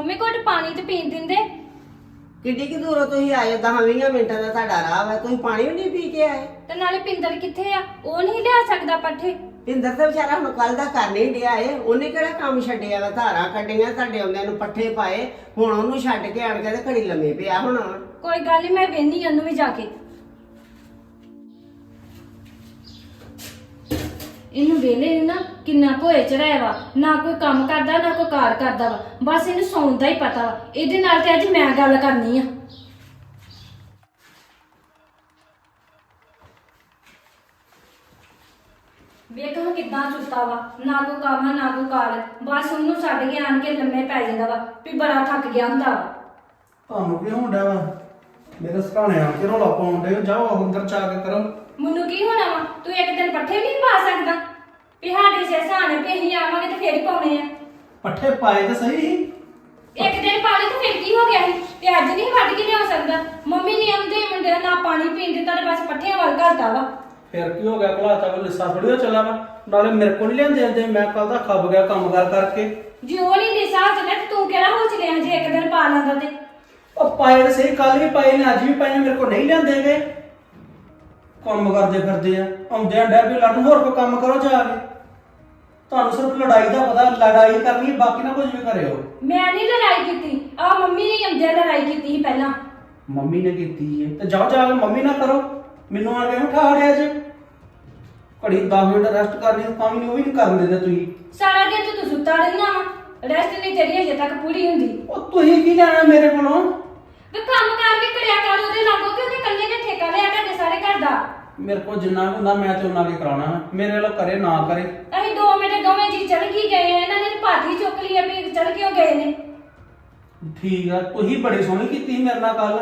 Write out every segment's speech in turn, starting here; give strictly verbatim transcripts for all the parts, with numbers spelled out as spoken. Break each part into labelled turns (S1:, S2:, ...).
S1: Mummy ਘੁੱਟ ਪਾਣੀ ਤੇ ਪੀਣ ਦਿੰਦੇ।
S2: ਕਿੱਡੀ ਕਿ ਦੂਰੋਂ ਤੁਸੀਂ ਆਏ ਦਸ ਵੀਹ ਮਿੰਟਾਂ ਦਾ ਤੁਹਾਡਾ ਰਾਹ ਵਾ, ਤੁਸੀਂ ਪਾਣੀ ਵੀ ਨਹੀਂ ਪੀ ਕੇ ਆਏ।
S1: ਤੇ ਨਾਲੇ ਪਿੰਦਰ ਕਿੱਥੇ ਆ? ਉਹ ਨਹੀਂ ਲਿਆ ਸਕਦਾ ਪੱਠੇ।
S2: ਪਿੰਦਰ ਤਾਂ ਵਿਚਾਰਾ ਹੁਣ ਕੱਲ ਦਾ ਕਰ ਨਹੀਂ ਡਿਆ ਏ, ਉਹਨੇ ਕਿਹੜਾ ਕੰਮ ਛੱਡਿਆ ਵਾ? ਧਾਰਾਂ ਕੱਢੀਆਂ ਤੁਹਾਡੇ ਆਉਂਦਿਆਂ ਨੂੰ, ਪੱਠੇ ਪਾਏ, ਹੁਣ ਉਹਨੂੰ ਛੱਡ ਕੇ ਆਣ ਕੇ ਤੇ ਘੜੀ ਲੰਮੇ ਪਿਆ ਹੁਣ।
S1: ਕੋਈ ਗੱਲ ਨਹੀਂ, ਮੈਂ ਵੇਹਨੀ ਉਹਨੂੰ ਵੀ ਜਾ ਕੇ। ਇਹਨੂੰ ਵੇਲੇ ਨਾ ਕਿੰਨਾ ਭੋਏ ਚੜਾਇਆ ਵਾ, ਨਾ ਕੋਈ ਕੰਮ ਕਰਦਾ ਨਾ ਕੋਈ ਕਾਰ ਕਰਦਾ ਵਾ, ਬਸ ਇਹਨੂੰ ਸੌਣ ਦਾ ਹੀ ਪਤਾ ਵਾ। ਇਹਦੇ ਨਾਲ ਤੇ ਅੱਜ ਮੈਂ ਗੱਲ ਕਰਨੀ ਆ। ਵੇਖੋ ਕਿੱਦਾਂ ਸੁੱਤਾ ਵਾ, ਨਾ ਕੋਈ ਕੰਮ ਆ, ਨਾ ਕੋਈ ਕਾਰ, ਬਸ ਉਹਨੂੰ ਛੱਡ ਕੇ ਆਣ ਕੇ ਲੰਮੇ ਪੈ ਜਾਂਦਾ ਵਾ ਵੀ ਬੜਾ ਥੱਕ ਗਿਆ ਹੁੰਦਾ ਵਾ।
S3: ਤੁਹਾਨੂੰ ਕੀ ਹੁੰਦਾ ਵਾ? ਮੇਰੇ ਸਰਾਣੇ ਆ ਕੇ ਰੌਲਾ ਪਾਉਂਦੇ, ਜਾਓ ਅੰਦਰ ਜਾ ਕੇ ਕਰੋ।
S1: ਮੈਨੂੰ ਕੀ ਹੋਣਾ ਵਾ? ਤੂੰ ਇੱਕ ਦਿਨ ਪੱਠੇ ਵੀ ਨਹੀਂ ਪਾ ਸਕਦਾ? ਵੀ ਸਾਡੇ ਸੇ ਸਹਾਣੇ ਤੇ ਅਸੀਂ ਆਵਾਂਗੇ ਤੇ ਫੇਰ ਹੀ ਪਾਉਣੇ ਆ।
S3: ਪੱਠੇ ਪਾਏ ਤਾਂ ਸਹੀ।
S1: ਇੱਕ ਦਿਨ ਪਾ ਲਏ ਤਾਂ ਫੇਰ ਕੀ ਹੋ ਗਿਆ ਸੀ? ਤੇ ਅੱਜ ਨਹੀਂ ਵੱਢ ਕੇ ਲਿਆ ਸਕਦਾ? ਮੰਮੀ ਨੇ ਆਉਂਦੇ ਮੁੰਡੇ ਨਾ ਪਾਣੀ ਪੀਣ ਦਿੱਤਾ ਤੇ ਬਸ ਪੱਠਿਆਂ ਵੱਲ ਘਲਤਾ ਵਾ।
S3: ਫਿਰ ਕੀ ਹੋ ਗਿਆ? ਘਲਾਤਾ ਕੋ ਲਿੱਸਾ ਥੋੜੀ ਚੱਲਾ ਵਾ, ਨਾਲੇ ਮੇਰੇ ਕੋਲ ਨਹੀਂ ਲਿਆਂਦੇ ਆਂਦੇ, ਮੈਂ ਕੱਲ ਦਾ ਖੱਬ ਗਿਆ ਕੰਮ ਕਰ ਕਰਕੇ।
S1: ਜੇ ਉਹ ਨਹੀਂ ਦੇ ਸਾਹ ਚੱਲਿਆ ਤੇ ਤੂੰ ਕਿਹੜਾ ਹੋ ਚਲਿਆ ਜੇ ਇੱਕ ਦਿਨ ਪਾ ਲੈਂਦਾ ਤੇ?
S3: ਉਹ ਪਾਏ ਤਾਂ ਸਹੀ, ਕੱਲ ਵੀ ਪਾਏ ਨੇ, ਅੱਜ ਵੀ ਪਾਏ ਨੇ, ਮੇਰੇ ਕੋਲ ਨਹੀਂ ਲਿਆਂਦੇ ਗਏ। ਕੰਮ ਕਰਦੇ ਫਿਰਦੇ ਆ, ਆਉਂਦੇ ਆ ਡੈਬੀ ਲੜਨ। ਹੋਰ ਕੋਈ ਕੰਮ ਕਰੋ ਜਾ ਕੇ। ਤੁਹਾਨੂੰ ਸਿਰਫ ਲੜਾਈ ਦਾ ਪਤਾ, ਲੜਾਈ ਕਰਨੀ, ਬਾਕੀ ਨਾ ਕੁਝ ਵੀ ਕਰਿਓ।
S1: ਮੈਂ ਨਹੀਂ ਲੜਾਈ ਕੀਤੀ, ਆ ਮੰਮੀ ਨੇ ਆਉਂਦਿਆਂ ਲੜਾਈ ਕੀਤੀ ਸੀ ਪਹਿਲਾਂ।
S3: ਮੰਮੀ ਨੇ ਕੀਤੀ ਹੈ ਤੇ ਜਾਓ ਜਾ ਕੇ ਮੰਮੀ ਨਾ ਕਰੋ, ਮੈਨੂੰ ਆ ਕੇ ਉਠਾ ਰਿਹਾ ਜੇ। ਘੜੀ ਦਸ ਮਿੰਟ ਰੈਸਟ ਕਰਨੀ ਤਾਂ ਵੀ ਨਹੀਂ, ਉਹ ਵੀ ਨਹੀਂ ਕਰਨ ਦਿੰਦੇ ਤੁਸੀਂ।
S1: ਸਾਰਾ ਦਿਨ ਤੇ ਤੂੰ ਸੁੱਤਾ ਰਹਿਣਾ ਵਾ, ਰੈਸਟ ਨਹੀਂ ਤੇਰੀ ਅਜੇ ਤੱਕ ਪੂਰੀ ਹੁੰਦੀ।
S3: ਉਹ ਤੁਸੀਂ ਕੀ ਲੈਣਾ ਮੇਰੇ ਕੋਲੋਂ?
S1: ਵੇ ਕੰਮ ਕਰ ਵੀ ਕਰਿਆ ਕਰ ਉਹਦੇ ਲਾਗੋ, ਕਿ ਉਹਨੇ ਕੱਲੇ ਨੇ ਠੇਕਾ ਲਿਆ ਤੁਹਾਡੇ ਸਾਰੇ ਘਰ ਦਾ।
S3: ਮੇਰੇ ਕੋਲ ਜਿੰਨਾ ਕੁ ਹੁੰਦਾ ਮੈਂ ਤੇ ਉਹਨਾਂ ਕੇ ਕਰਾਉਣਾ, ਮੇਰੇ ਵੱਲੋਂ ਕਰੇ ਨਾ ਕਰੇ।
S1: ਅਸੀਂ ਦੋ ਮਿੰਟ ਦੋਵੇਂ ਜੀ ਚੜ ਕੀ ਗਏ ਆ, ਇਹਨਾਂ ਨੇ ਭਾਤੀ ਚੁੱਕ ਲਈ ਆ ਵੀ ਚੜ ਕਿਉਂ ਗਏ ਨੇ।
S3: ਠੀਕ ਆ, ਤੁਸੀਂ ਬੜੀ ਸੋਹਣੀ ਕੀਤੀ ਸੀ ਮੇਰੇ ਨਾਲ ਕੱਲ।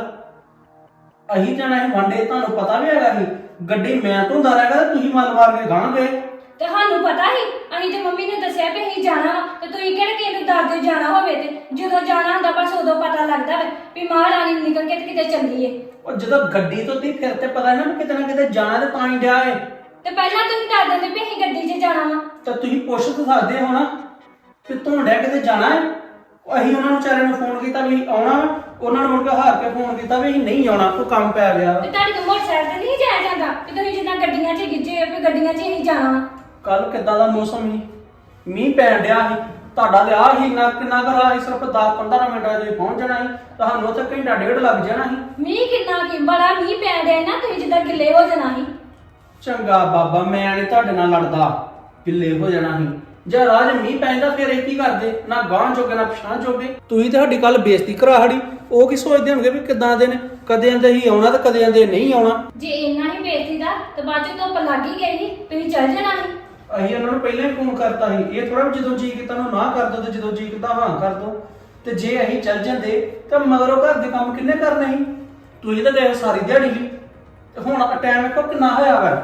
S3: ਅਹੀਂ ਜਾਣਾ ਸੀ ਵਾਂਡੇ, ਤੁਹਾਨੂੰ ਪਤਾ ਵੀ ਹੈਗਾ ਸੀ ਗੱਡੀ ਮੈਂ ਧੁੰਦਾ ਰਹਿਗਾ ਤੇ ਤੁਸੀਂ ਮਲ ਮਾਰ ਕੇ ਗਾਂ ਗਏ।
S1: ਤੇ ਸਾਨੂੰ ਪਤਾ ਸੀ, ਅਸੀਂ ਤੇ ਮੰਮੀ ਨੇ ਦੱਸਿਆ ਵੀ ਅਸੀਂ ਜਾਣਾ ਵਾ, ਤੇ ਤੁਸੀਂ ਕਿਹੜੇ ਕਿਸੇ ਨੂੰ ਦੱਸਦੇ ਜਾਣਾ ਹੋਵੇ ਤੇ ਜਦੋਂ ਜਾਣਾ ਹੁੰਦਾ ਬਸ ਉਦੋਂ ਪਤਾ ਲੱਗਦਾ ਵਾ ਵੀ ਮਹਾਰਾਣੀ ਨਿਕਲ ਕੇ ਤੇ ਕਿਤੇ ਚੱਲੀਏ।
S3: ਉਹ ਜਦੋਂ ਗੱਡੀ ਤੋਂ ਤੀ ਫਿਰ ਤੇ ਪਤਾ ਨਾ ਕਿਤੇ ਨਾ ਕਿਤੇ ਜਾਣਾ ਤੇ ਤਾਂ ਹੀ ਡਿਆ ਏ।
S1: ਤੇ ਪਹਿਲਾਂ ਤੁਸੀਂ ਦੱਸ ਦਿੰਦੇ ਵੀ ਅਸੀਂ ਗੱਡੀ 'ਚ ਜਾਣਾ ਵਾ।
S3: ਤਾਂ ਤੁਸੀਂ ਪੁੱਛ ਤਾਂ ਸਕਦੇ ਹੋ ਨਾ ਕਿ ਧੁੰਡਿਆ ਕਿਤੇ ਜਾਣਾ ਹੈ। ਅਸੀਂ ਉਹਨਾਂ ਨੂੰ ਵਿਚਾਰਿਆਂ ਨੂੰ ਫੋਨ ਕੀਤਾ ਵੀ ਆਉਣਾ, ਉਹਨਾਂ ਨੂੰ ਮੁੜ ਕੇ ਹਾਰ ਕੇ ਫੋਨ ਕੀਤਾ ਵੀ ਅਸੀਂ ਨਹੀਂ ਆਉਣਾ, ਕੋਈ ਕੰਮ ਪੈ ਗਿਆ।
S1: ਤੇ ਤੁਹਾਡੇ ਤੋਂ ਮੋਟਰਸਾਈਕਲ ਤੇ ਨਹੀਂ ਜਾਇਆ ਜਾਂਦਾ ਕਿ ਤੁਸੀਂ ਜਿੱਦਾਂ ਗੱਡੀਆਂ 'ਚ ਗਿੱਜੇ ਹੋ ਵੀ ਗੱਡੀਆਂ 'ਚ ਅਸੀਂ ਜਾਣਾ ਵਾ।
S3: ਕੱਲ ਕਿੱਦਾਂ ਦਾ ਮੌਸਮ ਸੀ, ਮੀਂਹ ਪੈਣ ਡਿਆ ਸੀ, ਤੁਹਾਡਾ ਤੇ ਆ ਹੀ ਨਾ ਕਿੰਨਾ ਕੁ ਰਾਹ ਸੀ, ਸਿਰਫ ਦਸ ਪੰਦਰਾਂ ਮਿੰਟਾਂ 'ਚ ਪਹੁੰਚ ਜਾਣਾ ਸੀ, ਤੁਹਾਨੂੰ ਉੱਥੇ ਘੰਟਾ ਡੇਢ ਲੱਗ ਜਾਣਾ ਸੀ।
S1: ਮੀਂਹ ਕਿੰਨਾ ਕੀ ਬੜਾ ਮੀਂਹ ਪੈਣ ਡਿਆ ਨਾ, ਤੁਸੀਂ ਜਿੱਦਾਂ ਗਿੱਲੇ ਹੋ ਜਾਣਾ ਸੀ।
S3: ਚੰਗਾ ਬਾਬਾ, ਮੈਂ ਨਹੀਂ ਤੁਹਾਡੇ ਨਾਲ ਲੜਦਾ, ਗਿੱਲੇ ਹੋ ਜਾਣਾ ਸੀ। ਜੇ ਰਾਜ ਮੀਂਹ ਪੈਂਦਾ ਫਿਰ ਇਹ ਕੀ ਕਰਦੇ? ਨਾ ਗਾਂਹ ਜੋਗੇ ਨਾ ਪਛਾਂ ਜੋਗੇ। ਤੁਸੀਂ ਤੇ ਸਾਡੀ ਕੱਲ ਬੇਇੱਜ਼ਤੀ ਕਰਾ ਸਾਡੀ। ਉਹ ਕੀ ਸੋਚਦੇ ਹੋਣਗੇ ਵੀ ਕਿੱਦਾਂ ਦੇ ਨੇ, ਕਦੇ ਆਂਦੇ ਹੀ ਆਉਣਾ ਤੇ ਕਦੇ ਆਂਦੇ ਨਹੀਂ ਆਉਣਾ।
S1: ਜੇ ਇੰਨਾ ਹੀ ਬੇਇੱਜ਼ਤੀ ਦਾ ਤੇ ਬਾਅਦ 'ਚ ਧੁੱਪ ਲੱਗ ਹੀ ਗਈ ਸੀ, ਤੁਸੀਂ ਚੱਲ ਜਾਣਾ ਸੀ।
S3: ਅਸੀਂ ਉਹਨਾਂ ਨੂੰ ਪਹਿਲਾਂ ਹੀ ਫੋਨ ਕਰਤਾ ਸੀ, ਇਹ ਥੋੜਾ ਜਦੋਂ ਜੀ ਕੀਤਾ ਨੂੰ ਨਾ ਕਰ ਦੋ ਤੇ ਜਦੋਂ ਜੀ ਕੀਤਾ ਹਾਂ ਕਰ ਦੋ। ਤੇ ਜੇ ਅਸੀਂ ਚੱਲ ਜਾਂਦੇ ਤਾਂ ਮਗਰੋਂ ਘਰ ਦੇ ਕੰਮ ਕਿੰਨੇ ਕਰਨੇ ਸੀ? ਤੁਸੀਂ ਤਾਂ ਗਏ ਸਾਰੀ ਦਿਹਾੜੀ ਵੀ, ਤੇ ਹੁਣ ਟਾਈਮ ਵੇਖੋ ਕਿੰਨਾ ਹੋਇਆ ਵਾ।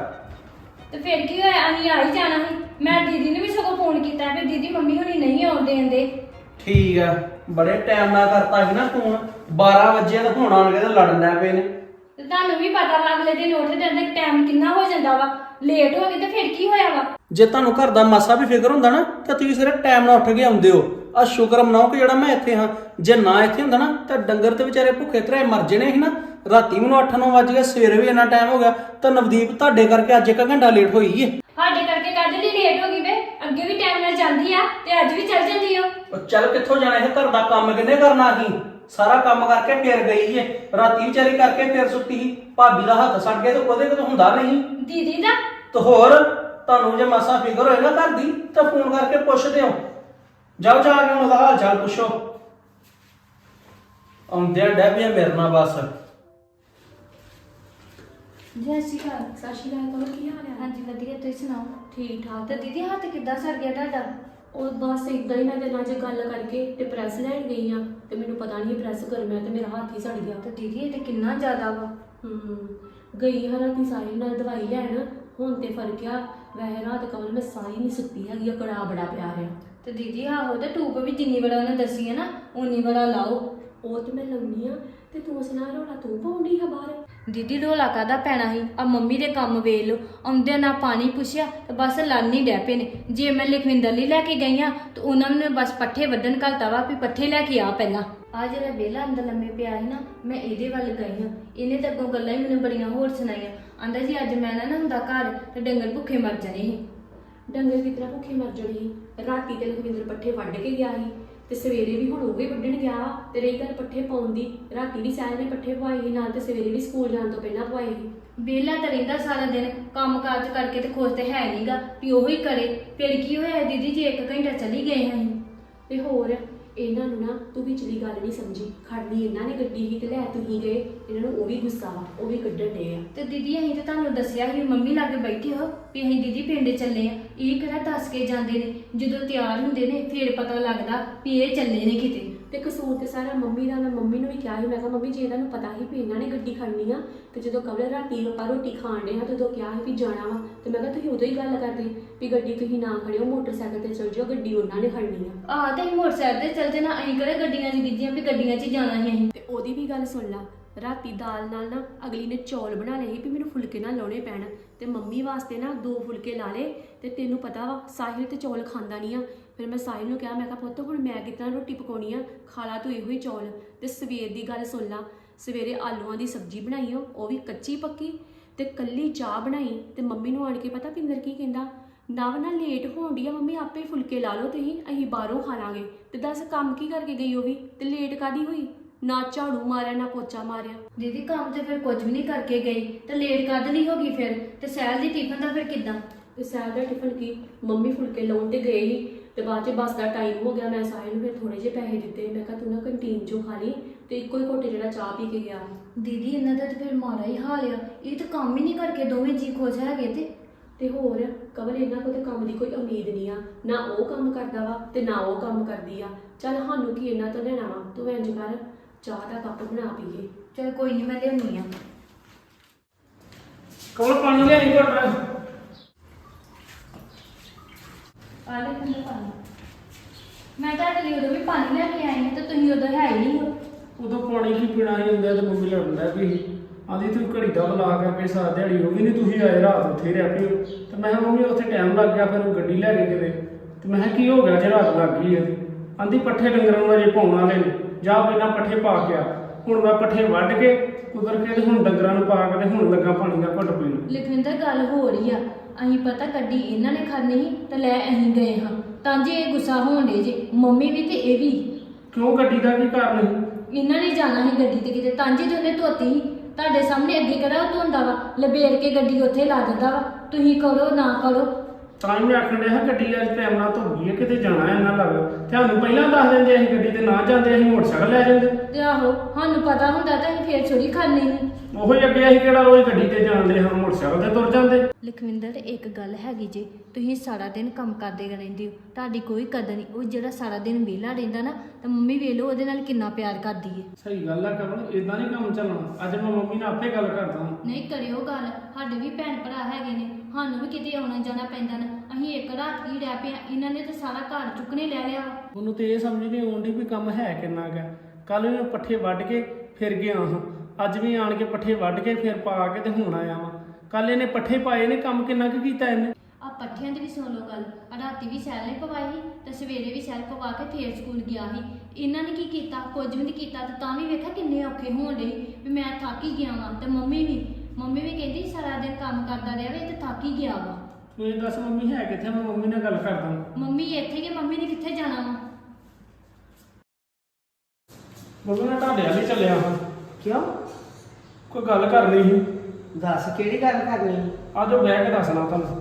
S1: ਤੇ ਫਿਰ ਕੀ ਹੋਇਆ, ਅਸੀਂ ਆ ਹੀ ਜਾਣਾ ਸੀ। ਮੈਂ ਦੀਦੀ ਨੂੰ ਵੀ ਸਗੋਂ ਫੋਨ ਕੀਤਾ ਵੀ ਦੀਦੀ ਮੰਮੀ ਹੁਣੀ ਨਹੀਂ ਆਉਣ ਦੇਂਦੇ।
S3: ਠੀਕ ਆ, ਬੜੇ ਟਾਈਮ ਨਾਲ ਕਰਤਾ ਸੀ ਨਾ ਫੋਨ, ਬਾਰਾਂ ਵਜੇ ਤਾਂ ਹੁਣ ਆਣ ਕੇ ਤੇ ਲੜਨ ਲੱਗ ਪਏ ਨੇ।
S1: ਤੇ ਤੁਹਾਨੂੰ ਵੀ ਪਤਾ ਵਾ ਅਗਲੇ ਦਿਨ ਉੱਠਦੇ ਜਾਂਦੇ ਟਾਈਮ ਕਿੰਨਾ ਹੋ ਜਾਂਦਾ ਵਾ, ਲੇਟ ਹੋ ਗਏ ਤੇ ਫਿਰ ਕੀ ਹੋਇਆ ਵਾ।
S3: ਜੇ ਤੁਹਾਨੂੰ ਘਰ ਦਾ ਮਾਸਾ ਵੀ ਫਿਕਰ ਹੁੰਦਾ ਨਾ ਤਾਂ ਤੁਸੀਂ ਸਿਰੇ ਟਾਈਮ ਨਾਲ ਉੱਠ ਕੇ ਆਉਂਦੇ ਹੋ। ਆ ਸ਼ੁਕਰ ਮਨਾਓ ਕਿ ਜਿਹੜਾ ਮੈਂ ਇੱਥੇ ਹਾਂ, ਜੇ ਨਾ ਇੱਥੇ ਹੁੰਦਾ ਨਾ ਤਾਂ ਡੰਗਰ ਤੇ ਵਿਚਾਰੇ ਭੁੱਖੇ ਧਰੇ ਮਰ ਜਣੇ ਸੀ ਨਾ। ਰਾਤੀ ਮੈਨੂੰ ਅੱਠ ਨੌ ਵਜ ਗਏ, ਸਵੇਰੇ ਵੀ ਇੰਨਾ ਟਾਈਮ ਹੋ ਗਿਆ, ਤਾਂ ਨਵਦੀਪ ਤੁਹਾਡੇ ਕਰਕੇ ਅੱਜ ਇੱਕ ਘੰਟਾ ਲੇਟ ਹੋਈ ਏ।
S1: ਸਾਡੇ ਕਰਕੇ ਕੱਢ ਲਈ ਲੇਟ ਹੋ ਗਈ ਵੇ, ਅੱਗੇ ਵੀ ਟਾਈਮ ਨਾਲ ਜਾਂਦੀ ਆ ਤੇ ਅੱਜ ਵੀ ਚੱਲ ਜਾਂਦੀ ਓ।
S3: ਉਹ ਚੱਲ ਕਿੱਥੋਂ ਜਾਣਾ ਇਹ, ਘਰ ਦਾ ਕੰਮ ਕਿੰਨੇ ਕਰਨਾ ਸੀ? ਸਾਰਾ ਕੰਮ ਕਰਕੇ ਫੇਰ ਗਈ ਏ, ਰਾਤੀ ਵਿਚਾਰੀ ਕਰਕੇ ਫੇਰ ਸੁੱਤੀ ਸੀ। ਭਾਬੀ ਦਾ ਹੱਥ ਸੜ ਗਿਆ ਤੇ ਉਹਦੇ ਕੋਲ ਹੁੰਦਾ ਨਹੀਂ
S1: ਦੀਦੀ ਦਾ।
S3: ਤੇ ਹੋਰ ਤੁਹਾਨੂੰ ਜੇ ਮਾਸਾ ਫਿਕਰ ਹੋਏ ਨਾ ਘਰ ਦੀ ਤਾਂ ਫੋਨ ਕਰਕੇ ਪੁੱਛਦੇ ਹੋ। ਜਾਓ ਜਾ ਕੇ ਉਹਦਾ ਹਾਲ ਚਾਲ ਪੁੱਛੋ। ਆਉਂਦੇ ਡੈਬੀਆਂ ਮੇਰੇ ਨਾਲ ਬਸ।
S1: ਜੈ ਸ਼੍ਰੀ ਅਕਾਲ। ਸਤਿ ਸ਼੍ਰੀ ਅਕਾਲ। ਕੋਲ ਕੀ ਹਾਲ ਹੈ? ਹਾਂਜੀ ਵਧੀਆ, ਤੁਸੀਂ ਸੁਣਾਓ? ਠੀਕ ਠਾਕ। ਤੇ ਦੀਦੀ ਹੱਥ ਕਿੱਦਾਂ ਸੜ ਗਿਆ ਤੁਹਾਡਾ?
S4: ਉਹ ਬਸ ਇਦਾਂ ਹੀ ਮੈਂ ਤੇ ਨਾਲ ਜੇ ਗੱਲ ਕਰਕੇ ਤੇ ਪ੍ਰੈਸ ਲੈਣ ਗਈ ਆ ਤੇ ਮੈਨੂੰ ਪਤਾ ਨਹੀਂ ਪ੍ਰੈਸ ਕਰ ਮੈਂ ਤੇ ਮੇਰਾ ਹੱਥ ਹੀ ਸੜ ਗਿਆ।
S1: ਤੇ ਦੀਦੀ ਇਹ ਤੇ ਕਿੰਨਾ ਜ਼ਿਆਦਾ ਵਾ।
S4: ਹੂੰ ਗਈ ਹਾਂ ਰਾਤੀ ਸਾਹਿਲ ਨਾਲ ਦਵਾਈ ਲੈਣ, ਹੁਣ ਤੇ ਫਰਕ ਆ। ਵੈਸੇ ਰਾਤ ਕਮਲ ਮੈਂ ਸਾਰੀ ਨਹੀਂ ਸੁੱਤੀ ਹੈਗੀ, ਕੜਾ ਬੜਾ ਪਿਆ ਰਿਹਾ।
S1: ਤੇ ਦੀਦੀ ਆਹੋ ਤੇ ਟੂਬ ਵੀ ਜਿੰਨੀ ਵਾਰ ਉਹਨੇ ਦੱਸੀ ਹੈ ਨਾ ਉਨੀ ਵਾਰ ਲਾਓ।
S4: ਉਹ ਤੇ ਮੈਂ ਲਾਉਣੀ ਆ ਤੇ ਤੂੰ ਸੁਣਾ ਰੋਲਾ ਤੂੰ ਪਾਉਂਦੀ ਹੈ ਬਾਹਰ।
S1: ਦੀਦੀ ਢੋਲਾ ਕਾਹਦਾ ਪੈਣਾ ਸੀ ਆ ਮੰਮੀ ਦੇ ਕੰਮ ਵੇਖ ਲਓ ਆਉਂਦੇ ਨਾ ਪਾਣੀ ਪੁੱਛਿਆ ਤੇ ਬਸ ਲਾਨੀ ਡੈ ਪਏ ਨੇ। ਜੇ ਮੈਂ ਲਖਵਿੰਦਰ ਲਈ ਲੈ ਕੇ ਗਈ ਆ ਤੇ ਉਹਨਾਂ ਨੇ ਬਸ ਪੱਠੇ ਵੱਢਣ ਘਲਤਾ ਵਾ ਵੀ ਪੱਠੇ ਲੈ ਕੇ ਆ ਪਹਿਲਾਂ। ਆ ਜਿਹੜਾ ਵਿਹਲਾ ਅੰਦਰ ਲੰਮੇ ਪਿਆ ਸੀ ਨਾ ਮੈਂ ਇਹਦੇ ਵੱਲ ਗਈ ਆ, ਇਹਨੇ ਤਾਂ ਅੱਗੋਂ ਗੱਲਾਂ ਹੀ ਮੈਨੂੰ ਬੜੀਆਂ ਹੋਰ ਸੁਣਾਈਆਂ। ਆਂਦਾ ਜੀ ਅੱਜ ਮੈਂ ਨਾ ਹੁੰਦਾ ਘਰ ਤੇ ਡੰਗਰ ਭੁੱਖੇ ਮਰ ਜਾਣੇ ਸੀ।
S4: ਡੰਗਰ ਕਿਸ ਤਰ੍ਹਾਂ ਭੁੱਖੇ ਮਰ ਜਾਣੇ ਸੀ? ਰਾਤੀ ਤੇ ਲਖਵਿੰਦਰ ਪੱਠੇ ਵੱਢ ਕੇ ਗਿਆ ਸੀ ਤੇ ਸਵੇਰੇ ਵੀ ਹੁਣ ਉਹ ਵੀ ਵੱਢਣ ਗਿਆ ਵਾ। ਤੇ ਰਹੀ ਗੱਲ ਪੱਠੇ ਪਾਉਣ ਦੀ, ਰਾਤੀ ਵੀ ਸਹਿਜ ਨੇ ਪੱਠੇ ਪਵਾਏ ਸੀ ਨਾਲ ਤੇ ਸਵੇਰੇ ਵੀ ਸਕੂਲ ਜਾਣ ਤੋਂ ਪਹਿਲਾਂ ਪਵਾਏ ਸੀ।
S1: ਵਿਹਲਾ ਤਾਂ ਰਹਿੰਦਾ ਸਾਰਾ ਦਿਨ ਕੰਮ ਕਾਜ ਕਰਕੇ ਤੇ ਖੁਸ਼ ਤੇ ਹੈ ਨਹੀਂਗਾ ਵੀ ਉਹੀ ਕਰੇ। ਫਿਰ ਕੀ ਹੋਇਆ ਦੀਦੀ ਜੇ ਇੱਕ ਘੰਟਾ ਚਲੀ ਗਏ ਹਾਂ
S4: ਤੇ ਹੋਰ ਇਹਨਾਂ ਨੂੰ ਨਾ ਤੂੰ ਵਿਚਲੀ ਗੱਲ ਨਹੀਂ ਸਮਝੀ। ਖੜਨੀ ਇਹਨਾਂ ਨੇ ਗੱਡੀ ਹੀ ਤੇ ਲੈ ਤੁਸੀਂ ਗਏ, ਇਹਨਾਂ ਨੂੰ ਉਹ ਵੀ ਗੁੱਸਾ ਵਾ, ਉਹ ਵੀ ਕੱਢਣ ਡੇ ਆ।
S1: ਤੇ ਦੀਦੀ ਅਸੀਂ ਤਾਂ ਤੁਹਾਨੂੰ ਦੱਸਿਆ ਸੀ ਮੰਮੀ ਲਾਗੇ ਬੈਠੇ ਹੋ ਵੀ ਅਸੀਂ ਦੀਦੀ ਪਿੰਡ ਚੱਲੇ ਆ। ਇਹ ਕਿਹੜਾ ਦੱਸ ਕੇ ਜਾਂਦੇ ਨੇ, ਜਦੋਂ ਤਿਆਰ ਹੁੰਦੇ ਨੇ ਫੇਰ ਪਤਾ ਲੱਗਦਾ ਵੀ ਇਹ ਚੱਲੇ ਨੇ ਕਿਤੇ।
S4: ਤੇ ਕਸੂਰ ਤੇ ਸਾਰਾ ਮੰਮੀ ਦਾ। ਮੈਂ ਮੰਮੀ ਨੂੰ ਵੀ ਕਿਹਾ ਸੀ, ਮੈਂ ਕਿਹਾ ਮੰਮੀ ਜੇ ਇਹਨਾਂ ਨੂੰ ਪਤਾ ਸੀ ਵੀ ਇਹਨਾਂ ਨੇ ਗੱਡੀ ਖੜਨੀ ਆ ਤੇ ਜਦੋਂ ਕਬਲ ਰਾਤੀ ਆਪਾਂ ਰੋਟੀ ਖਾਣ ਡੇ ਹਾਂ ਤੇ ਉਦੋਂ ਕਿਹਾ ਸੀ ਵੀ ਜਾਣਾ ਵਾ ਤੇ ਮੈਂ ਕਿਹਾ ਤੁਸੀਂ ਉਦੋਂ ਹੀ ਗੱਲ ਕਰਦੇ ਵੀ ਗੱਡੀ ਤੁਸੀਂ ਨਾ ਖੜਿਓ, ਮੋਟਰਸਾਈਕਲ ਤੇ ਚਲ ਜਾਓ, ਗੱਡੀ ਉਹਨਾਂ ਨੇ ਖੜਨੀ ਆ।
S1: ਆਹ ਤੇ ਅਸੀਂ ਮੋਟਰਸਾਈਕਲ ਤੇ ਚੱਲ ਜਾਣਾ, ਅਸੀਂ ਕਿਹੜੇ ਗੱਡੀਆਂ 'ਚ ਗਿੱਜੀਆਂ ਵੀ ਗੱਡੀਆਂ 'ਚ ਹੀ ਜਾਣਾ ਸੀ ਅਸੀਂ।
S4: ਤੇ ਉਹਦੀ ਵੀ ਗੱਲ ਸੁਣ ਲਾ। ਰਾਤੀ ਦਾਲ ਨਾਲ ਨਾ ਅਗਲੀ ਨੇ ਚੌਲ ਬਣਾ ਲਏ ਸੀ ਵੀ ਮੈਨੂੰ ਫੁਲਕੇ ਨਾ ਲਾਉਣੇ ਪੈਣ ਤੇ ਮੰਮੀ ਵਾਸਤੇ ਨਾ ਦੋ ਫੁਲਕੇ ਲਾ ਲਏ। ਤੇ ਤੈਨੂੰ ਪਤਾ ਵਾ ਸਾਹਿਲ ਤੇ ਚੌਲ ਖਾਂਦਾ ਨਹੀਂ ਆ। ਫਿਰ ਮੈਂ ਸਾਹਿਲ ਨੂੰ ਕਿਹਾ, ਮੈਂ ਕਿਹਾ ਪੁੱਤ ਹੁਣ ਮੈਂ ਕਿਤਨਾ ਰੋਟੀ ਪਕਾਉਣੀ ਆ, ਖਾ ਲਾ ਤੂੰ ਇਹੋ ਹੀ ਚੌਲ। ਤੇ ਸਵੇਰ ਦੀ ਗੱਲ ਸੁਣ ਲਾ, ਸਵੇਰੇ ਆਲੂਆਂ ਦੀ ਸਬਜ਼ੀ ਬਣਾਈ ਆ, ਉਹ ਵੀ ਕੱਚੀ ਪੱਕੀ ਤੇ ਕੱਲੀ ਚਾਹ ਬਣਾਈ। ਤੇ ਮੰਮੀ ਨੂੰ ਆਣ ਕੇ ਪਤਾ ਪਿੰਦਰ ਕੀ ਕਹਿੰਦਾ, ਨਵ ਨਾ ਲੇਟ ਹੋਣ ਡਈ ਆ ਮੰਮੀ, ਆਪੇ ਫੁਲਕੇ ਲਾ ਲਓ ਤੁਸੀਂ, ਅਸੀਂ ਬਾਹਰੋਂ ਖਾ ਲਾਂਗੇ। ਤੇ ਦੱਸ ਕੰਮ ਕੀ ਕਰਕੇ ਗਈ ਉਹ ਵੀ, ਤੇ ਲੇਟ ਕਾਦੀ ਹੋਈ? ਨਾ ਝਾੜੂ ਮਾਰਿਆ ਨਾ ਪੋਚਾ ਮਾਰਿਆ।
S1: ਦੀਦੀ ਕੰਮ ਤੇ ਫਿਰ ਕੁਝ ਵੀ ਨਹੀਂ ਕਰਕੇ ਗਈ ਤੇ ਲੇਟ ਕਦ ਲਈ ਹੋ ਗਈ ਫਿਰ? ਤੇ ਸਹਿਲ ਦੀ ਟਿਫਨ ਦਾ ਫਿਰ ਕਿੱਦਾਂ?
S4: ਤੇ ਸਾਹਿਲ ਦਾ ਟਿਫਨ ਕੀ, ਮੰਮੀ ਫੁਲਕੇ ਲਾਉਣ ਤੇ ਗਏ ਸੀ ਤੇ ਬਾਅਦ 'ਚ ਬੱਸ ਦਾ ਟਾਈਮ ਹੋ ਗਿਆ। ਮੈਂ ਸਾਹਿਲ ਨੂੰ ਫਿਰ ਥੋੜੇ ਜਿਹੇ ਪੈਸੇ ਦਿੱਤੇ, ਮੈਂ ਕਿਹਾ ਤੂੰ ਨਾ ਕੰਟੀਨ 'ਚੋਂ ਖਾ ਲਈ ਤੇ ਇੱਕੋ ਹੀ ਘੋਟੇ ਜਿਹੜਾ ਚਾਹ ਪੀ ਕੇ ਗਿਆ।
S1: ਦੀਦੀ ਇਹਨਾਂ ਦਾ ਤੇ ਫਿਰ ਮਾੜਾ ਹੀ ਹਾਲ ਆ, ਇਹ ਤਾਂ ਕੰਮ ਹੀ ਨਹੀਂ ਕਰਕੇ ਦੋਵੇਂ ਜੀ ਖੁਸ਼ ਹੈਗੇ। ਤੇ
S4: ਤੇ ਹੋਰ ਕਵਲ ਇਹਨਾਂ ਕੋਲ ਤੇ ਕੰਮ ਦੀ ਕੋਈ ਉਮੀਦ ਨਹੀਂ ਆ, ਨਾ ਉਹ ਕੰਮ ਕਰਦਾ ਵਾ ਤੇ ਨਾ ਉਹ ਕੰਮ ਕਰਦੀ ਆ। ਚੱਲ ਸਾਨੂੰ ਕੀ ਇਹਨਾਂ ਤੋਂ ਲੈਣਾ ਵਾ, ਤੂੰ ਇੰਝ ਕਰ ਚਾਹ ਦਾ ਕੱਪ ਬਣਾ ਪੀਏ।
S1: ਚਲ ਕੋਈ ਨਹੀਂ ਮੈਂ ਲਿਆਉਣੀ ਆ।
S3: ਕੋਲ ਪਾਣੀ ਲਿਆਈ ਘਟ
S1: ਆ ਲੈ ਕਿੰਨਾ ਪਾਣੀ। ਮੈਂ ਤਾਂ ਲਈ ਉਦੋਂ ਵੀ ਪਾਣੀ ਲੈ ਕੇ ਆਈ ਹਾਂ ਤੇ ਤੁਸੀਂ ਉਦੋਂ ਹੈ ਹੀ ਨਹੀਂ ਹੋ।
S3: ਉਦੋਂ ਪਾਣੀ ਕੀ ਪੀਣਾ ਹੀ ਹੁੰਦਾ ਤੇ ਮੰਮੀ ਲੜਦਾ ਵੀ ਆਂਦੀ ਤੂੰ ਘੜੀ ਦਾ ਬੁਲਾ ਕਰਕੇ ਸਾਰਾ ਦਿਹਾੜੀ ਹੋ ਗਈ ਨਹੀਂ, ਤੁਸੀਂ ਆਏ ਰਾਤ ਉੱਥੇ ਰਹਿ ਪਏ ਹੋ। ਤੇ ਮੈਂ ਕਿਹਾ ਮੰਮੀ ਉੱਥੇ ਟਾਈਮ ਲੱਗ ਗਿਆ, ਫਿਰ ਉਹ ਗੱਡੀ ਲੈ ਕੇ ਕਿਤੇ। ਤੇ ਮੈਂ ਕਿਹਾ ਕੀ ਹੋ ਗਿਆ ਜੇ ਰਾਤ ਲੱਗ ਗਈ ਹੈ? ਆਂਦੀ ਪੱਠੇ ਡੰਗਰਾਂ ਨੂੰ ਅਜੇ ਪਾਉਣ ਵਾਲੇ ਨੇ, ਜਾ ਪਹਿਲਾਂ ਪੱਠੇ ਪਾ ਕੇ ਆ। ਹੁਣ ਮੈਂ ਪੱਠੇ ਵੱਢ ਕੇ ਕੁਦਰ ਕੇ ਤੇ ਹੁਣ ਡੰਗਰਾਂ ਨੂੰ ਪਾ ਕੇ ਤੇ ਹੁਣ ਲੱਗਾ ਪਾਣੀ ਦਾ ਘੁੱਟ ਪੀਣ।
S1: ਲਖਵਿੰਦਰ ਗੱਲ ਹੋ ਰਹੀ ਆ, ਅਸੀਂ ਪਤਾ ਗੱਡੀ ਇਹਨਾਂ ਨੇ ਖੜਨੀ ਸੀ ਤੇ ਲੈ ਅਸੀਂ ਗਏ ਹਾਂ ਤਾਂ ਜੇ ਇਹ ਗੁੱਸਾ ਹੋਣ ਡੇ ਜੇ ਮੰਮੀ ਵੀ ਤੇ ਇਹ ਵੀ।
S3: ਕਿਉਂ ਗੱਡੀ ਦਾ ਕੀ ਕਾਰਨ ਹੈ?
S1: ਇਹਨਾਂ ਨੇ ਜਾਣਾ ਸੀ ਗੱਡੀ ਤੇ ਕਿਤੇ, ਤਾਂਜੇ ਤੇ ਉਹਨੇ ਧੋਤੀ ਸੀ ਤੁਹਾਡੇ ਸਾਹਮਣੇ, ਅੱਗੇ ਕਿਹੜਾ ਉਹ ਧੋਂਦਾ ਵਾ, ਲਬੇੜ ਕੇ ਗੱਡੀ ਉੱਥੇ ਲਾ ਦਿੰਦਾ ਵਾ। ਤੁਸੀਂ ਕਰੋ ਨਾ ਕਰੋ
S3: ਤਾਂ ਹੀ ਮੈਂ ਆਖਣ ਡਿਆ ਗੱਡੀ ਅੱਜ ਟਾਈਮ ਨਾਲ ਧੁੱਪ ਗਈ ਹੈ, ਕਿਤੇ ਜਾਣਾ ਇਹਨਾਂ ਲੱਗ। ਤੁਹਾਨੂੰ ਪਹਿਲਾਂ ਦੱਸ ਦਿੰਦੇ ਅਸੀਂ ਗੱਡੀ ਤੇ ਨਾ ਜਾਂਦੇ, ਅਸੀਂ ਮੋਟਰਸਾਈਕਲ ਲੈ ਜਾਂਦੇ।
S1: ਤੇ ਆਹੋ ਸਾਨੂੰ ਪਤਾ ਹੁੰਦਾ ਤਾਂ ਅਸੀਂ ਫੇਰ ਛੁਰੀ ਖਾਣੀ ਸੀ।
S3: ਉਹੋ ਹੀ ਅੱਗੇ ਅਸੀਂ ਕਿਹੜਾ ਰੋਜ਼ ਗੱਡੀ ਤੇ ਜਾਂਦੇ ਹਾਂ, ਮੋਟਰਸਾਈਕਲ ਤੇ ਤੁਰ ਜਾਂਦੇ।
S1: ਲਖਵਿੰਦਰ ਇੱਕ ਗੱਲ ਹੈਗੀ ਜੇ, ਤੁਸੀਂ ਸਾਰਾ ਦਿਨ ਕੰਮ ਕਰਦੇ ਰਹਿੰਦੇ ਹੋ, ਤੁਹਾਡੀ ਕੋਈ ਕਦਰ ਨਹੀਂ। ਉਹ ਜਿਹੜਾ ਸਾਰਾ ਦਿਨ ਵਿਹਲਾ ਰਹਿੰਦਾ ਨਾ ਤਾਂ ਮੰਮੀ ਵੇਖ ਲਓ ਉਹਦੇ ਨਾਲ ਕਿੰਨਾ ਪਿਆਰ ਕਰਦੀ ਏ।
S3: ਸਹੀ ਗੱਲ ਆ ਕਮਲ, ਇਦਾਂ ਨਹੀਂ ਕੰਮ ਚੱਲਣਾ। ਅੱਜ ਮੈਂ ਮੰਮੀ ਨਾਲ ਆਪੇ ਗੱਲ ਕਰਦਾ।
S1: ਨਹੀਂ ਕਰਿਓ ਗੱਲ, ਸਾਡੇ ਵੀ ਭੈਣ ਭਰਾ ਹੈਗੇ ਨੇ, ਸਾਨੂੰ ਵੀ ਕਿਤੇ ਆਉਣਾ ਜਾਣਾ ਪੈਂਦਾ ਨਾ। ਅਸੀਂ ਇੱਕ ਰਾਤ ਹੀ ਰਹਿ ਪਏ, ਇਹਨਾਂ ਨੇ ਤਾਂ ਸਾਰਾ ਘਰ ਚੁੱਕਣੇ ਲੈ ਲਿਆ।
S3: ਉਹਨੂੰ ਤੇ ਇਹ ਸਮਝ ਨਹੀਂ ਆਉਂਦੀ ਵੀ ਕੰਮ ਹੈ ਕਿੰਨਾ ਕੁ। ਕੱਲ ਵੀ ਮੈਂ ਪੱਠੇ ਵੱਢ ਕੇ ਫਿਰ ਗਿਆ ਹਾਂ, ਅੱਜ ਵੀ ਆਣ ਕੇ ਪੱਠੇ ਵੱਢ ਕੇ ਫਿਰ ਪਾ ਕੇ ਤੇ ਹੁਣ ਆਇਆ ਵਾਂ। ਕੱਲ ਇਹਨੇ ਪੱਠੇ ਪਾਏ ਨੇ, ਕੰਮ ਕਿੰਨਾ ਕੁ ਕੀਤਾ ਇਹਨੇ।
S1: ਆ ਪੱਠਿਆਂ ਦੀ ਵੀ ਸੁਣ ਲਓ ਗੱਲ, ਰਾਤੀ ਵੀ ਸੈਲ ਨੇ ਪਵਾਈ ਸੀ ਤੇ ਸਵੇਰੇ ਵੀ ਸੈਲ ਪਵਾ ਕੇ ਫੇਰ ਸਕੂਲ ਗਿਆ ਸੀ। ਇਹਨਾਂ ਨੇ ਕੀ ਕੀਤਾ? ਕੁਝ ਵੀ ਨਹੀਂ ਕੀਤਾ। ਤੇ ਤਾਂ ਵੀ ਵੇਖਿਆ ਕਿੰਨੇ ਔਖੇ ਹੋਣ ਡੇ ਵੀ ਮੈਂ ਥੱਕ ਹੀ ਗਿਆ ਵਾਂ। ਤੇ ਮੰਮੀ ਵੀ ਮੰਮੀ ਵੀ ਕਹਿੰਦੀ ਸਾਰਾ ਦਿਨ ਕੰਮ ਕਰਦਾ ਰਿਹਾ ਵੇ ਤੇ ਥੱਕ ਹੀ ਗਿਆ ਵਾ।
S3: ਤੂੰ ਇਹ ਦੱਸ ਮੰਮੀ ਹੈ ਕਿੱਥੇ? ਮੈਂ ਮੰਮੀ ਨਾਲ ਗੱਲ ਕਰਦਾ।
S1: ਮੰਮੀ ਇੱਥੇ ਕਿ ਮੰਮੀ ਨੇ ਕਿੱਥੇ ਜਾਣਾ ਵਾ?
S3: ਮੰਮੀ ਮੈਂ ਤੁਹਾਡੇ ਵੱਲ ਹੀ ਚੱਲਿਆ ਹਾਂ।
S2: ਕਿਉਂ?
S3: ਕੋਈ ਗੱਲ ਕਰਨੀ ਸੀ।
S2: ਦੱਸ ਕਿਹੜੀ ਗੱਲ ਕਰਨੀ?
S3: ਆ ਜਾਓ ਬਹਿ ਕੇ ਦੱਸਣਾ ਤੁਹਾਨੂੰ।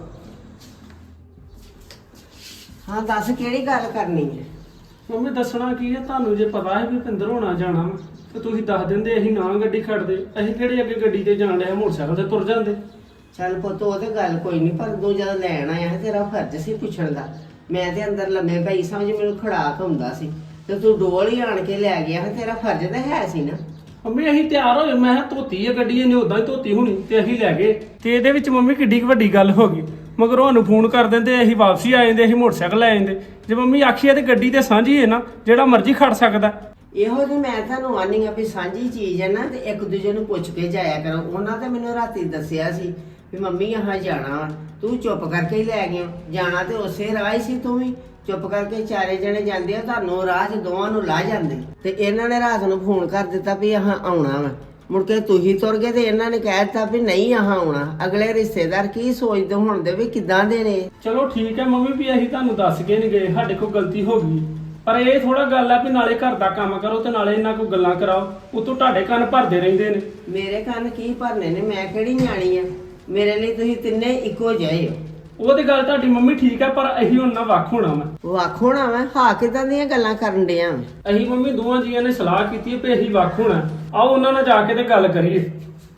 S2: ਹਾਂ ਦੱਸ ਕਿਹੜੀ ਗੱਲ ਕਰਨੀ ਹੈ?
S3: ਮੰਮੀ ਦੱਸਣਾ ਕੀ ਹੈ ਤੁਹਾਨੂੰ? ਜੇ ਪਤਾ ਹੈ ਵੀ ਭਿੰਦਰ ਹੋਣਾ ਜਾਣਾ ਵਾ ਤੇ ਤੁਸੀਂ ਦੱਸ ਦਿੰਦੇ, ਅਸੀਂ ਨਾ ਗੱਡੀ ਖੜਦੇ। ਅਸੀਂ ਕਿਹੜੇ ਅੱਗੇ ਗੱਡੀ ਤੇ ਜਾਣ ਡਿਆ, ਮੋਟਰਸਾਈਕਲ ਤੇ ਤੁਰ ਜਾਂਦੇ।
S2: ਚੱਲ ਪੁੱਤ ਉਹ ਤੇ ਗੱਲ ਕੋਈ ਨਹੀਂ, ਪਰ ਤੂੰ ਜਦੋਂ ਲੈਣ ਆਇਆ ਤੇਰਾ ਫਰਜ਼ ਸੀ ਪੁੱਛਣ ਦਾ। ਮੈਂ ਤੇ ਅੰਦਰ ਲੰਮੇ ਪਈ ਸਮਝ ਮੈਨੂੰ ਖੜਾਕ ਹੁੰਦਾ ਸੀ ਤੇ ਤੂੰ ਡੋਲ ਹੀ ਆਣ ਕੇ ਲੈ ਗਿਆ, ਤੇਰਾ ਫਰਜ਼ ਤਾਂ ਹੈ ਸੀ ਨਾ।
S3: ਮੰਮੀ ਅਸੀਂ ਤਿਆਰ ਹੋਏ, ਮੈਂ ਕਿਹਾ ਧੋਤੀ ਹੈ ਗੱਡੀ, ਇਹਨੇ ਉਦਾਂ ਹੀ ਧੋਤੀ ਹੋਣੀ ਤੇ ਅਸੀਂ ਲੈ ਗਏ। ਤੇ ਇਹਦੇ ਵਿੱਚ ਮੰਮੀ ਕਿੱਡੀ ਕੁ ਵੱਡੀ ਗੱਲ ਹੋ ਗਈ। ਮਗਰ ਉਹਨੂੰ ਫੋਨ ਕਰ ਦਿੰਦੇ, ਅਸੀਂ ਵਾਪਸੀ ਆ ਜਾਂਦੇ, ਅਸੀਂ ਮੋਟਰਸਾਈਕਲ ਲੈ ਜਾਂਦੇ। ਜੇ ਮੰਮੀ ਆਖੀਏ ਤੇ ਗੱਡੀ ਤੇ ਸਾਂਝੀ ਹੈ ਨਾ, ਜਿਹੜਾ ਮਰਜ਼ੀ ਖੜ ਸਕਦਾ।
S2: ਇਹੋ ਜਿਹੀ ਮੈਂ ਤੁਹਾਨੂੰ ਆਨੀ ਆ ਵੀ ਸਾਂਝੀ ਚੀਜ਼ ਹੈ ਨਾ ਤੇ ਇੱਕ ਦੂਜੇ ਨੂੰ ਪੁੱਛ ਕੇ ਜਾਇਆ ਕਰੋ। ਉਹਨਾਂ ਤੇ ਮੈਨੂੰ ਰਾਤੀ ਦੱਸਿਆ ਸੀ ਵੀ ਮੰਮੀ ਆਹ ਜਾਣਾ ਵਾ, ਤੂੰ ਚੁੱਪ ਕਰਕੇ ਹੀ ਲੈ ਗਿਆ। ਜਾਣਾ ਤੇ ਉਸੇ ਰਾਹ ਹੀ ਸੀ, ਤੂੰ ਵੀ ਚੁੱਪ ਕਰਕੇ ਚਾਰੇ ਜਣੇ ਜਾਂਦੇ ਆ, ਤੁਹਾਨੂੰ ਰਾਹ 'ਚ ਦੋਵਾਂ ਨੂੰ ਲਾ ਜਾਂਦੇ। ਤੇ ਇਹਨਾਂ ਨੇ ਰਾਤ ਨੂੰ ਫੋਨ ਕਰ ਦਿੱਤਾ ਵੀ ਆਹ ਆਉਣਾ ਵਾ, ਮੁੜ ਕੇ ਤੁਸੀਂ ਤੁਰ ਗਏ ਤੇ ਇਹਨਾਂ ਨੇ ਕਹਿ ਦਿੱਤਾ ਵੀ ਨਹੀਂ ਆਹ ਆਉਣਾ। ਅਗਲੇ ਰਿਸ਼ਤੇਦਾਰ ਕੀ ਸੋਚਦੇ ਹੋਣਦੇ ਵੀ ਕਿੱਦਾਂ ਦੇ ਨੇ।
S5: ਚਲੋ ਠੀਕ ਹੈ ਮੰਮੀ ਵੀ ਅਸੀਂ ਤੁਹਾਨੂੰ ਦੱਸ ਕੇ ਨਹੀਂ ਗਏ, ਸਾਡੇ ਕੋਲ ਗਲਤੀ ਹੋ ਗਈ, ਪਰ ਇਹ ਥੋੜਾ ਗੱਲ ਆ ਵੀ ਨਾਲੇ ਘਰ ਦਾ ਕੰਮ ਕਰੋ ਤੇ ਨਾਲੇ ਇਹਨਾਂ ਕੋਲ ਗੱਲਾਂ ਕਰਾਓ। ਉਤੋਂ ਤੁਹਾਡੇ ਕੰਨ ਭਰਦੇ ਰਹਿੰਦੇ ਨੇ।
S2: ਮੇਰੇ ਕੰਨ ਕੀ ਭਰਨੇ ਨੇ, ਮੈਂ ਕਿਹੜੀ ਨਿਆਣੀ ਆ? ਮੇਰੇ ਲਈ ਤੁਸੀਂ ਤਿੰਨੇ ਇੱਕੋ ਜਿਹੇ ਹੋ।
S5: ਉਹ ਤੇ ਗੱਲ ਤੁਹਾਡੀ ਮੰਮੀ ਠੀਕ ਹੈ, ਪਰ ਅਸੀਂ ਹੁਣ ਨਾ ਵੱਖ ਹੋਣਾ ਵਾ।
S2: ਵੱਖ ਹੋਣਾ ਵਾ? ਹਾਂ ਕਿਦਾਂ ਦੀਆਂ ਗੱਲਾਂ ਕਰਨ ਡਿਆ ਵਾਂ?
S5: ਅਸੀਂ ਮੰਮੀ ਦੋਵਾਂ ਜੀਆਂ ਨੇ ਸਲਾਹ ਕੀਤੀ ਹੈ ਵੀ ਅਸੀਂ ਵੱਖ ਹੋਣਾ। ਆਓ ਉਹਨਾਂ ਨਾਲ ਜਾ ਕੇ ਤੇ ਗੱਲ ਕਰੀਏ।